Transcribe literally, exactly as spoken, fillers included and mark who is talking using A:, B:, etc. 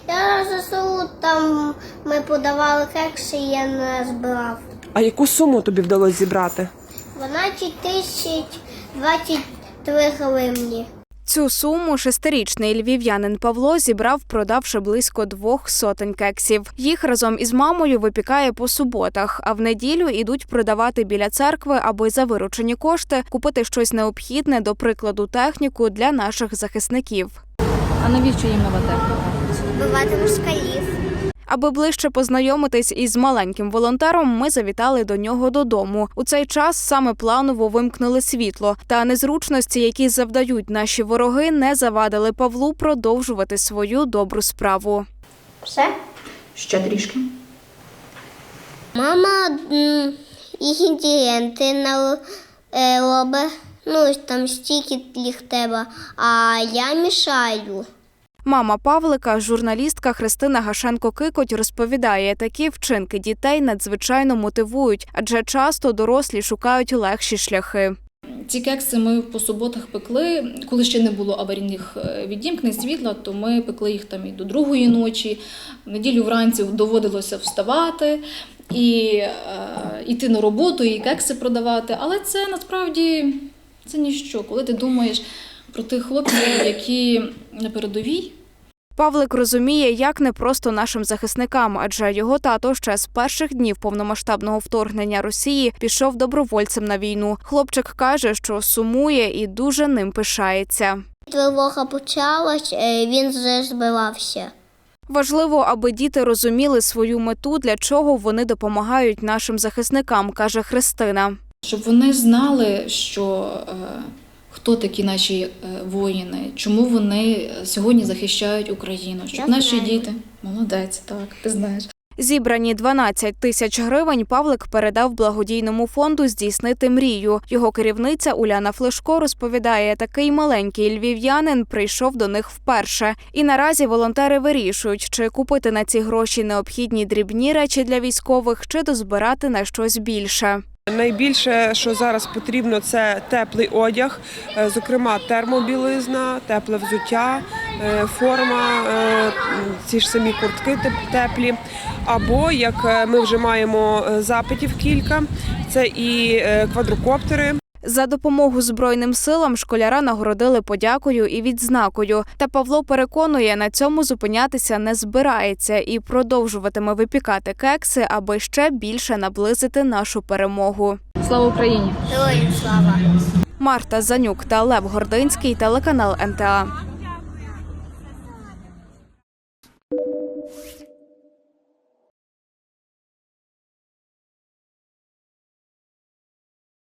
A: Я ЗСУ, там ми подавали кекси, і я не збирав.
B: А яку суму тобі вдалося зібрати?
A: дванадцять тисяч двадцять три гривні.
C: Цю суму шестирічний львів'янин Павло зібрав, продавши близько двох сотень кексів. Їх разом із мамою випікає по суботах, а в неділю ідуть продавати біля церкви, аби за виручені кошти купити щось необхідне, до прикладу, техніку для наших захисників.
D: А навіщо їм нова техніка?
A: Вбивати москалів.
C: Аби ближче познайомитись із маленьким волонтером, ми завітали до нього додому. У цей час саме планово вимкнули світло. Та незручності, які завдають наші вороги, не завадили Павлу продовжувати свою добру справу.
A: Все?
D: Ще трішки.
A: Мама м, інгредієнти на е, робить. Ну, там стільки їх треба, а я мішаю.
C: Мама Павлика, журналістка Христина Гашенко-Кикоть, розповідає, такі вчинки дітей надзвичайно мотивують, адже часто дорослі шукають легші шляхи.
D: Ці кекси ми по суботах пекли, коли ще не було аварійних відімкнень світла, то ми пекли їх там і до другої ночі. В неділю вранці доводилося вставати і е, йти на роботу, і кекси продавати. Але це насправді це ніщо, коли ти думаєш про тих хлопців, які на передовій.
C: Павлик розуміє, як непросто нашим захисникам, адже його тато ще з перших днів повномасштабного вторгнення Росії пішов добровольцем на війну. Хлопчик каже, що сумує і дуже ним пишається.
A: Тривога почалась, він вже збирався.
C: Важливо, аби діти розуміли свою мету, для чого вони допомагають нашим захисникам, каже Христина.
D: Щоб вони знали, що е, хто такі наші е, воїни, чому вони сьогодні захищають Україну. Щоб
A: Я
D: наші
A: знаю.
D: діти, молодець, так, ти знаєш.
C: Зібрані дванадцять тисяч гривень Павлик передав благодійному фонду «Здійснити мрію». Його керівниця Уляна Флешко розповідає, такий маленький львів'янин прийшов до них вперше. І наразі волонтери вирішують, чи купити на ці гроші необхідні дрібні речі для військових, чи дозбирати на щось більше.
B: Найбільше, що зараз потрібно, це теплий одяг, е, зокрема термобілизна, тепле взуття, е, форма, е, ці ж самі куртки теп- теплі. Або, як ми вже маємо запитів кілька, це і е, квадрокоптери.
C: За допомогу Збройним силам школяра нагородили подякою і відзнакою. Та Павло переконує, на цьому зупинятися не збирається і продовжуватиме випікати кекси, аби ще більше наблизити нашу перемогу.
D: Слава Україні!
A: Героям слава!
C: Марта Занюк та Лев Гординський, телеканал ен те а.